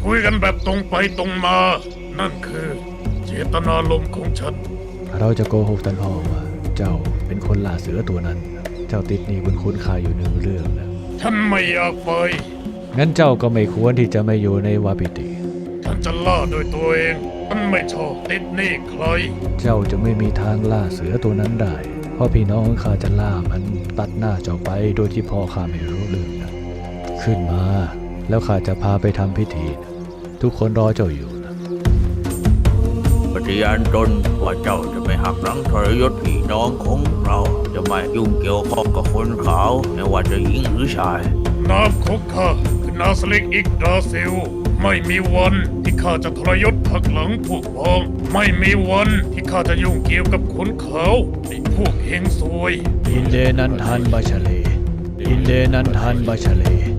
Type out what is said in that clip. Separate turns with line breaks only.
คุยกันแบบตรงไปตรงมา นั่นคือเจตนารมณ์ของฉัน
เราจะโกหกท่านพ่อว่าเจ้าเป็นคนล่าเสือตัวนั้น เจ้าติดหนี้บุญคุณข้าอยู่หนึ่งเรื่องนะ
ฉันไม่อยากไป
งั้นเจ้าก็ไม่ควรที่จะไม่อยู่ในวาปิติ
ฉันจะล่าโดยตัวเองฉันไม่ชอบติดหนี้ใคร
เจ้าจะไม่มีทางล่าเสือตัวนั้นได้เพราะพี่น้องข้าจะล่ามันตัดหน้าเจ้าไปโดยที่พ่อข้าไม่รู้เรื่องนะขึ้นมาแล้วข้าจะพาไปทำพิธีนะทุกคนรอเจ้าอยู่นะ
ปฏิญาณตนว่าเจ้าจะไม่หักหลังทรยศพี่น้องของเราจะไม่ยุ่งเกี่ยวข้องกับคนขาวไม่ว่าจะหญิงหรือชาย
นามของข้าคือนาสลิกอิกดาซิลไม่มีวันที่ข้าจะทรยศหักหลังพวกพ้องไม่มีวันที่ข้าจะยุ่งเกี่ยวกับคนขาวไอ้พวกเฮงซวย
อินเดนันทันบาชเลอินเดนันทันบาชเล